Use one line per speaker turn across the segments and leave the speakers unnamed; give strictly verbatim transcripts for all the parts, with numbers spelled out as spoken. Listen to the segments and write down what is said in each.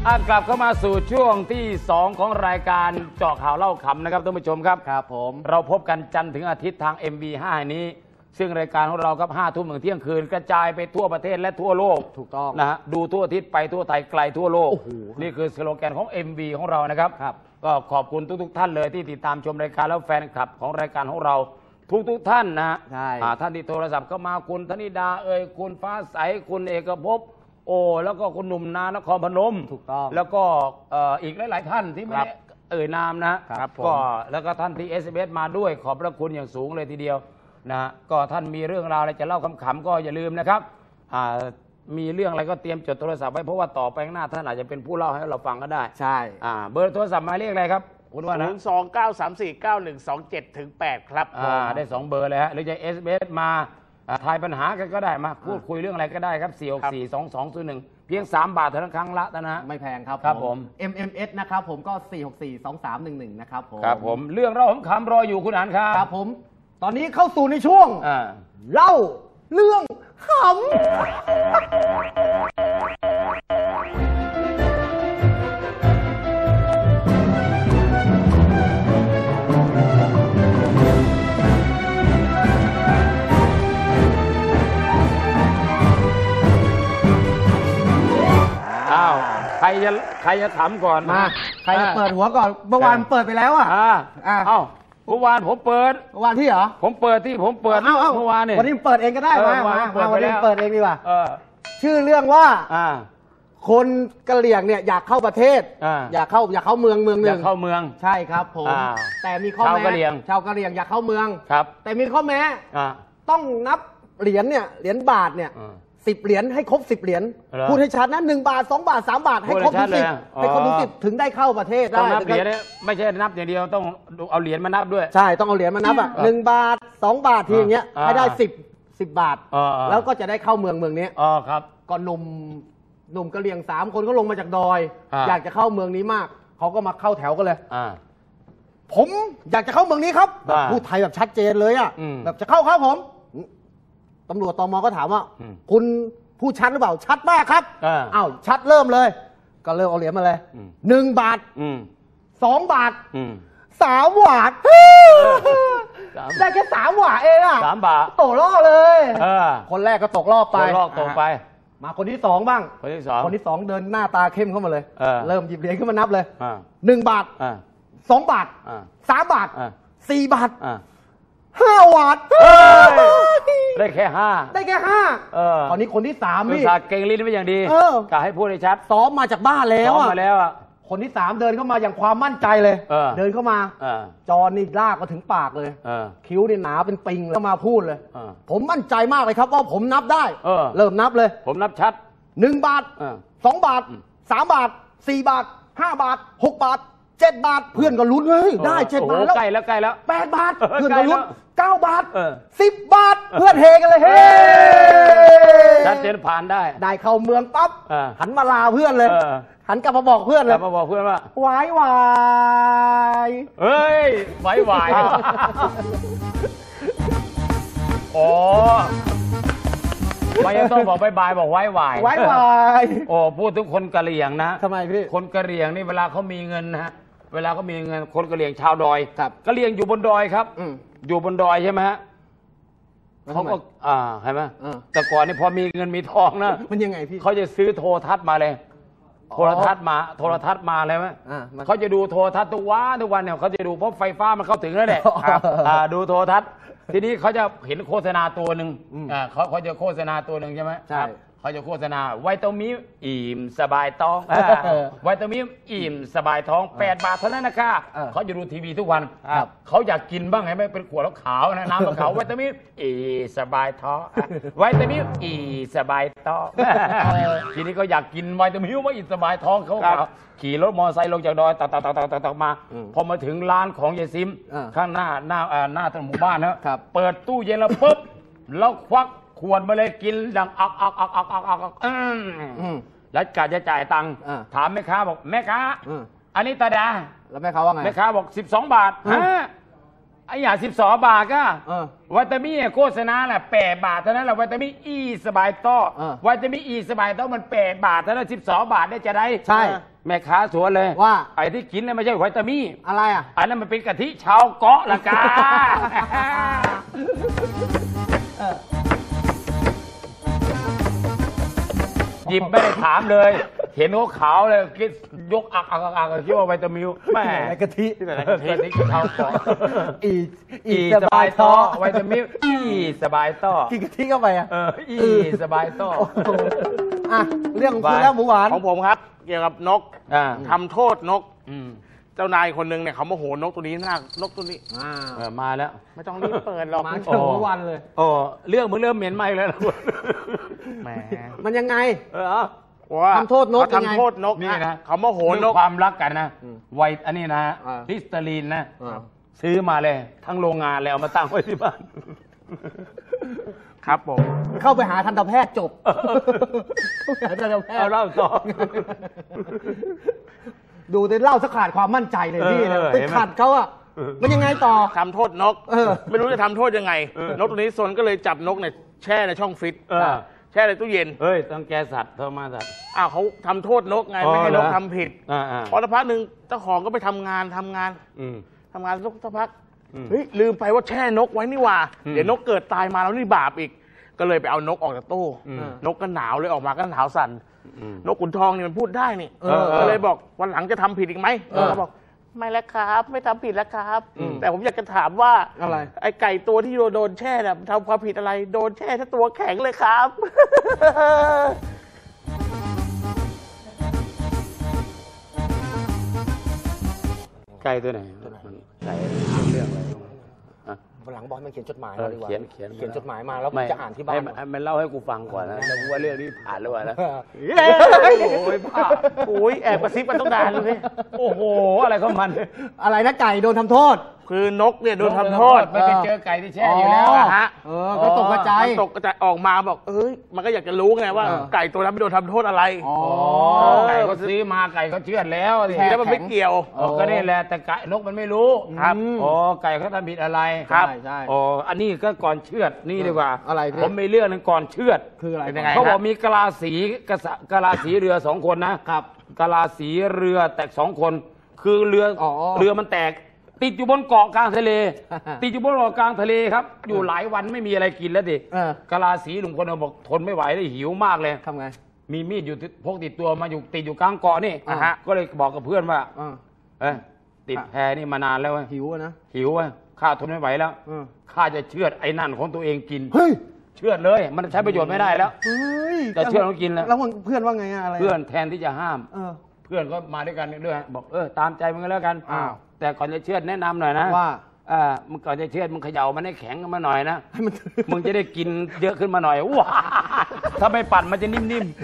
กลับเข้ามาสู่ช่วงที่สองของรายการเจาะข่าวเล่าขำนะครับท่านผู้ชมครับ
ครับผม
เราพบกันจันทร์ถึงอาทิตย์ทาง เอ็ม บี ห้า นี้ซึ่งรายการของเราครับห้าทุ่มถึงเที่ยงคืนกระจายไปทั่วประเทศและทั่วโลก
ถูกต้อง
นะฮะดูทั่วอาทิตย์ไปทั่วไทยไกลทั่วโลกนี่คือสโลแกนของ เอ็ม บี ของเรานะครับก็ขอบคุณทุกๆท่านเลยที่ติดตามชมรายการแล้วแฟนคลับของรายการของเราทุกๆท่านนะฮะท่านที่โทรศัพท์ก็มาคุณธนิดาเอ่ยคุณฟ้าใสคุณเอกภพโอ้แล้วก็คุณหนุ่มนานครพนม
ถูกต้อง
แล้วก็อีกหลายๆท่านที่ไม่ได้เอ่ยนามนะครับก็แล้วก็ท่านที่ เอส เอ็ม เอส มาด้วยขอบพระคุณอย่างสูงเลยทีเดียวนะก็ท่านมีเรื่องราวอะไรจะเล่าขำๆก็อย่าลืมนะครับมีเรื่องอะไรก็เตรียมจดโทรศัพท์ไว้เพราะว่าต่อไปข้างหน้าท่านอาจจะเป็นผู้เล่าให้เราฟังก็ได้
ใช่
เบอร์โทรศัพท์หมายเลขอะไรครับคุณว่านะ
ศูนย์ สอง เก้า สาม สี่ เก้า หนึ่ง สอง เจ็ด ถึง แปดครับ
ได้สองเบอร์เลยฮะหรือจะ เอส เอ็ม เอส มาทายปัญหากันก็ได้มาพูดคุยเรื่องอะไรก็ได้ครับสี่ หก สี่ สอง สอง ศูนย์ หนึ่งเพียงสามบาทเท่านั้นครั้งละนะฮะ
ไม่แพงครับ
ครับผม
เอ็ม เอ็ม เอส นะครับผมก็สี่ หก สี่ สอง สาม หนึ่ง หนึ่งนะครับผม
ครับผมเรื่องเล่าขำๆรออยู่คุณอันครับ
ครับผมตอนนี้เข้าสู่ในช่วงเล่าเรื่องขำ
ใครจะใครจะถามก่อน
มาใครจะเปิดหัวก่อนเมื่อวานเปิดไปแล้วอ่ะ
เอ้าเมื่อวานผมเปิด
เมื่อวานที่เหรอ
ผมเปิดที่ผมเปิดเมื่อวานเนี่ย
วันนี้เปิดเองก็ได้มามาวันนี้เปิดเองดีกว่าชื่อเรื่องว่าคนกะเหรี่ยงเนี่ยอยากเข้าประเทศอยากเข้าอยากเข้าเมืองเมืองหนึ่ง
อยากเข้าเมือง
ใช่ครับผมแต่มีข้อแม้ชาวกะเหรี่ยงชาวกะเหรี่ยงอยากเข้าเมือง
ครับ
แต่มีข้อแม้ต้องนับเหรียญเนี่ยเหรียญบาทเนี่ยสิบเหรียญให้ครบสิบเหรียญพูดให้ชัดนะหนึ่งบาทสองบาทสามบาทให้ครบทุกสิบให้ครบทุกสิบถึงได้เข้าประเทศได้
ต้องนับเหรียญไม่ใช่นับอย่างเดียวต้องเอาเหรียญมานับด้วย
ใช่ต้องเอาเหรียญมานับอ่ะหนึ่งบาทสองบาททีอย่างเงี้ยให้ได้สิบสิบบาทแล้วก็จะได้เข้าเมืองเมืองนี้
อ๋อครับ
ก็หนุ่มหนุ่มกะเหรี่ยงสามคนก็ลงมาจากดอยอยากจะเข้าเมืองนี้มากเขาก็มาเข้าแถวกันเลยผมอยากจะเข้าเมืองนี้ครับพูดไทยแบบชัดเจนเลยอ่ะแบบจะเข้าครับผมตำรวจตม.ก็ถามว่าคุณพูดชัดหรือเปล่าชัดมากครับอ้าวชัดเริ่มเลยก็เริ่มเอาเหรียญมาเลยหนึ่งบาทสองบาทสามบาทได้แค่สามบาทเองอ่ะ
สามบาท
ตกรอบเลยคนแรกก็ตกรอบไป
ตกรอบตกไป
มาคนที่สองบ้าง
คนที่สอง
คนที่สองเดินหน้าตาเข้มเข้ามาเลยเริ่มหยิบเหรียญขึ้นมานับเลยหนึ่งบาทสองบาทสามบาทสี่บาทห้าบาท
ได้แค่ห้า
ได้แค่ห้าตอนนี้คนที่สาม
นี่เก่งลิ้นไม่อย่างดีกะให้พูดให้ชัด
ซ้อมมาจากบ้านแล้ว
ซ้อมมาแล้วอ่ะ
คนที่สามเดินเข้ามาอย่างความมั่นใจเลยเดินเข้ามาจอนี่ลากมาถึงปากเลยคิ้วนี่หนาเป็นปิงแล้วมาพูดเลยผมมั่นใจมากเลยครับว่าผมนับได้เริ่มนับเลย
ผมนับชัด
หนึ่งบาทสองบาทสามบาทสี่บาทห้าบาทหกบาทเจ็ดบาทเพื่อนก็ลุ้นเฮ้ยได้เจ็ดบาทแล้ว
ใกล้แล้วใกล้แล้ว
แปดบาทเพื่อนก็ลุ้นเก้าบาทสิบบาทเพื่อนเฮกันเลยเฮ้
ชัดเจนผ่านได้
ได้เข้าเมืองปั๊บหันมาลาเพื่อนเลยหันกลับมาบอกเพื่อนเลย
มาบอกเพื่อนว่า
ไว้วาย
เฮ้ยไว้วายโอ้ไม่ต้องบอกบายบายบอกไว้วาย
ไว้วาย
โอ้พูดถึงคนกะเหรี่ยงนะ
ทำไมพี่
คนกะเหรี่ยงนี่เวลาเขามีเงินนะฮะเวลาเขามีเงินคนกะเหรี่ยงชาวดอยกะเหรี่ยงอยู่บนดอยครับอยู่บนดอยใช่ไหมฮะเขาก็อ่าใช่ไหมแต่ก่อนนี่พอมีเงินมีทองนะ
มันยังไงพี่
เขาจะซื้อโทรทัศน์มาเลยโทรทัศน์มาโทรทัศน์มาเลยไหมเขาจะดูโทรทัศน์ทุกวันทุกวันเนี่ยเขาจะดูเพราะไฟฟ้ามันเข้าถึงแล้วเนี่ยดูโทรทัศน์ทีนี้เขาจะเห็นโฆษณาตัวหนึ่งเขาเขาจะโฆษณาตัวหนึ่งใช่ไหม
ใช่
เขาจะโฆษณาไวตามิวอิ่มสบายท้องไวตามิวอิ่มสบายท้องแปดบาทเท่านั้นนะคะเขาจะดูทีวีทุกวันเขาอยากกินบ้างไงไม่เป็นขวดแล้วขาวนะน้ำขาวไวตามิวอิ่มสบายท้องไวตามิวอิ่มสบายท้องทีนี้ก็อยากกินไวตามิวว่าอิ่มสบายท้องเขาขี่รถมอเตอร์ไซค์ลงจากดอยตักตักตักตักตักตักมาพอมาถึงร้านของยายซิมข้างหน้าหน้าหน้าถนนหมู่บ้านนะเปิดตู้เย็นแล้วปุ๊บแล้วควักขวดมาเลยกินดังอักอักอักอักอักอักอักแล้วกะจะจ่ายตังค์ถามแม่ค้าบอกแม่ค้าอันนี้ตาดา
แล้วแม่ค้าว่าไง
แม่ค้าบอกสิบสองบาทฮะไอ้อย่างสิบสองบาทก็
เออ
วิตามินโฆษณาแหละแปดบาทเท่านั้นแหละวิตามินอีสบายต้อ
เออ
วิตามินอีสบายต้อมันแปดบาทเท่านั้นสิบสองบาทได้จะได้
ใช่
แม่ค้าสวนเลย
ว่า
ไอ้ที่กินเนี่ยไม่ใช่วิตามิน
อะไรอ่ะ
อันนั้นมันเป็นกะทิชาวเกาะละกา หยิบไม่ได้ถามเลย เห็นเขาขาวเลยคิดยกอักอักอักอักคิดว่าวิตามินแม่
ไหนกะทิ
ที่ไหนนะ
กะทิชาวเกาะ
อี
อี
อี
สบายต้อวิตามินอีสบายต้อ
กินกะทิเข้าไปอ่ะ
เอออีสบายต้อ
โอ้โหอ่ะเรื่องของคุณแล้วหมูหวาน
ของผมครับ เกี่ยวกับนก
อ่า
ทำโทษนก
อืม
เจ้านายคนหนึ่งเนี่ยเขาโมโหนกตัวนี้หน้านกตัวนี้
อ่า
เออมาแล้ว
ไม่ต้องรีบเปิดหรอก
มาเชิงหมูวันเลย
โอ้เรื่องมึงเริ่มเหม็นไหมแล้วนะ
แหม
มันยังไง
เออเอา
ว่า
ทำโทษนก
เขา
ยังไง
ทำโทษนก
นี่นะ
เขาโมโหน
เรื่อก งความรักกันนะ
อืม
ไวอันนี้นะ
อ่า
ลิสเตอรีนนะ
อ่า
ซื้อมาเลย ทั้งโรงงานเลยเอามาตั้งไว้ที่บ้าน
ครับผม
เข้าไปหาทันตแพทย์จบเข้าไปหาทันตแพท
เอา
ย์
เล่าต่อ
ดูแต่เล่าสักขาดความมั่นใจเลยพี่
เออ
ไป
เห็นไหม
ขัดเขาอ่ะ มันยังไงต่อ
ทำโทษนก
เออ
ไม่รู้จะทำโทษยังไง นกตัวนี้ซนก็เลยจับนกเนี่ยแช่ในช่องฟิต
เออ
แช่ในตู้เย็น
เฮ้ยต้องแกสัตว์โทรมาสัตว์
อ้าวเขาทำโทษนกไง
อ๋อ
ไม่ให้นก
เหรอ
ทำผิด
อ่าอ่า
พอสักพักหนึ่งเจ้าของก็ไปทำงานทำงาน
อืม
ทำงานสักสักพัก
อืม
เฮ้ยลืมไปว่าแช่นกไว้นี่หว่า
อืม
เดี๋ยวนกเกิดตายมาแล้วนี่บาปอีก ก็เลยไปเอานกออกจากตู้
อืม
นกก็หนาวเลยออกมาก็หนาวสั่น
อืม
นกขุนทองนี่มันพูดได้นี่
เออ
ก็เลยบอกวันหลังจะทำผิดอีกไหม
เออ
เขาบอกไม่แล้วครับ ไม่ทำผิดแล้วครับ
อืม
แต่ผมอยากจะถามว่า
อะไร
ไอ้ไก่ตัวที่โดนแช่น่ะทำความผิดอะไรโดนแช่ทั้งตัวแข็งเลยครับ
ไก่ตัวไหนไก่เรื่องอะไรอ่ะ
วันหลังบอลมันเขียนจดหมาย
เออ
มาดีกว่า
เขียนเขียน
เขียนจดหมายมาแล้ว
ไม่
จะอ่านที่บ้าน
ให้ให้มันเล่าให้กูฟังก่อนนะแล้วกูว่าเรื่องนี้ผ่านแล้ววะนะ
โอ้ยบ้าโอ้ยแอบกระซิบกันต้องนานเลย
โอ้โห อะไรของมัน
อะไรนะไก่โดนทำโทษ
คือนกเนี่ยโดนทำโทษ
มันไปเจอไก่ที่แช่อยู่แล้ว
อ๋อ
อะ
ฮะ
เออก็ตกกระจาย
มันตกกระจายออกมาบอกเอ้ยมันก็อยากจะรู้ไงว่า
เออ
ไก่ตัวนั้นไม่โดนทำโทษอะไร
อ๋อ
ไก่เขาซื้อมาไก่เขาเชื่อดแล้วสิ
แช่
แล้วมันไม่เกี่ยว
เออก็นี่แหละแต่ไก่นกมันไม่รู้
ครับ
อ๋อไก่เขาทำผิดอะไร
ครับ
ใช่ใช่
อ๋ออันนี้ก็ก่อนเชือดนี่ดีกว่า
อะไรพี่
ผมมีเรื่องหนึงก่อนเชือด
คืออะไร
เป็นยังไง
เขาบอกมีกะลาสีกะสะกะลาสีเรือสองคนนะครับ กะลาสีเรือแตกสองคน คือเรือ
อ๋อ
เรือมันแตก ติดอยู่บนเกาะกลางทะเล ติดอยู่บนเกาะกลางทะเลครับ อยู่หลายวันไม่มีอะไรกินแล้วดิ
เออก
ะลาสีลุงคนนึงบอกทนไม่ไหวเลยหิวมากเลย
ทำไง
มีมีดอยู่ติดพกติดตัวมาอยู่ติดอยู่กลางเกาะนี่
อ่าฮะ
ก็เลยบอกกับเพื่อนว่า
อ่า
เอ้ยติดแพนี่มานานแล้วเว้ย
หิวอะนะ
หิวเว้ยข้าทนไม่ไหวแล้ว
เออ
ข้าจะเชือดไอ้นั่นของตัวเองกิน
เฮ้ย
เชือดเลย มันใช้ประโยชน์ไม่ได้แล้ว
เฮ้ย
แต่เชื่อต้องกินแล้ว
แล้วเพื่อนว่าไงอะอะไร
เพื่อนแทนที่จะห้าม
เออ
เพื่อนก็มาด้วยกันด้วยบอกเออตามใจมึงก็แล้วกัน
อ้าว
แต่ก่อนจะเชือดแนะนำหน่อยนะ
ว่า
อ่ามึงก่อนจะเชือดมึงเขย่ามันให้แข็งขึ้นมาหน่อยนะ
ให้มัน
มึงจะได้กินเยอะขึ้นมาหน่อยว้าถ้าไม่ปั่นมันจะนิ่ม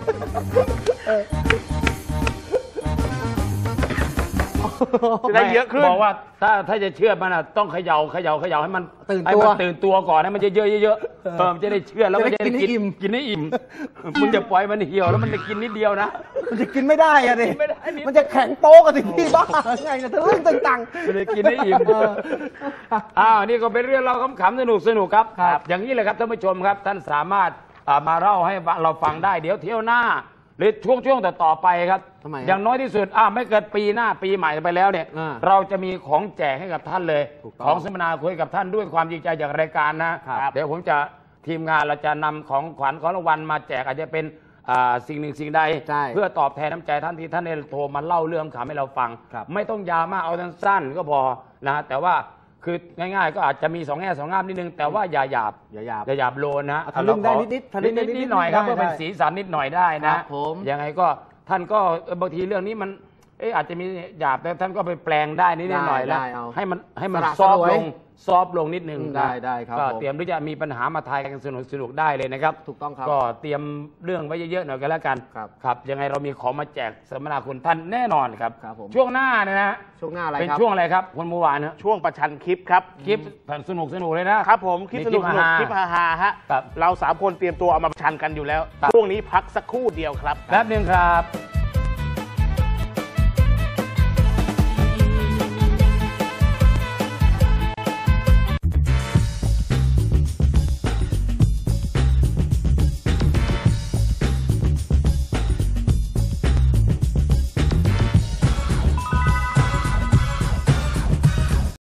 ๆ
จะได้เยอะขึ้น
บอกว่าถ้าถ้าจะเชื่อดมันอ่ะต้องเขย่าเขย่าเขย่าให้มัน
ตื่น
ให้
ตัว
มันตื่นตัวก่อนให้มันเยอะๆเยอะๆเออมันจะได้เชื่อดแล้วมันจะ
จะได้
ได้
กินให้อิ่ม
กินให้อิ่มมึงจะปล่อยมันเหี่ยวแล้วมันจะกินนิดเดียวนะ
มันจะกินไม่ได้อะดิ
กินไม่ได้นิด
มันจะแข็งโป๊กอะสิพี่บ้าไงเนี่ยทะลึ่งตึงตัง
ไม่ได้กินให้อิ่มอ้าวนี่ก็เป็นเรื่องเราขำๆสนุกสนุกๆครับ
ครับ
อย่างนี้เลยครับท่านผู้ชมครับ ท่านสามารถอ่ามาเล่าให้เราฟังได้เดี๋ยวเที่ยวหน้า หรือช่วงช่วงต่อต่อๆไปครับ
ทำไม
อย่างน้อยที่สุดอ่าไม่เกินปีหน้าปีใหม่ไปแล้วเนี่ย
อ่า
เราจะมีของแจกให้กับท่านเลย
ถูกต้อง
ของสัมมนาคุยกับท่านด้วยความจริงใจจากรายการนะครับ เดี๋ยวผมจะทีมงานเราจะนำของขวัญของรางวัลมาแจกอาจจะเป็นอ่าสิ่งหนึ่งสิ่งใด
ใช่
เพื่อตอบแทนน้ำใจท่านที่ท่านได้โทรมาเล่าเรื่องขำให้เราฟัง
ครับ
ไม่ต้องยาวมากเอาสั้นๆก็พอนะแต่ว่าคือง่ายๆ ก็อาจจะมีสองแง่สองงามนิดนึงแต่ว่าอย่าหยาบ
อย่าหยาบ
อย่าหยาบโลนนะ
ทะลึ่งได้นิดๆทะลึ่
นิ
ง
ด
ได้
ๆ
นิดๆ
นิดๆหน่อยครับ
ได้
เพื่อเป็น
ได้
สีสันนิดหน่อยได้
ค
นะ
รับผม
ยังไงก็ท่านก็เอ่อบางทีเรื่องนี้มันเอออาจจะมีหยาบแต่ท่านก็ไปแปลงได้นิดๆหน่อยๆแล้ว
ได้เอา
ให้มันให้มัน
สละ
ซอฟต์
สลวย
ลงซอฟต์ลงนิดนึง
อืม
นะ
ได้ได้ครับ
ก็
ผม
เตรียมที่จะมีปัญหามาทายกันสนุกสนุกๆได้เลยนะครับ
ถูกต้องครับ
ก็เตรียมเรื่องไว้เยอะๆหน่อยกันแล้วกัน
ครับ
ครับยังไงเรามีของมาแจกสัมมนาคุณท่านแน่นอนครับ
ครับผม
ช่วงหน้าเนี่ยนะ
ช่วงหน้าอะไร
เป็น
ครับ
ช่วงอะไรครับคุณเมื่อวานนะ
ช่วงประชันคลิปครับ
คลิปสนุกสนุกๆเลยนะครับ
ผมคลิปสนุก
มี
สนุก
ฮาๆ
คลิปฮาฮาๆฮะ
ครับ
เราสามคนเตรียมตัวเอามาประชันกันอยู่แล้ว
ครับ
ช่วงนี้พักสักครู่เดียวครับ
แป๊บหนึ่งครับ
ค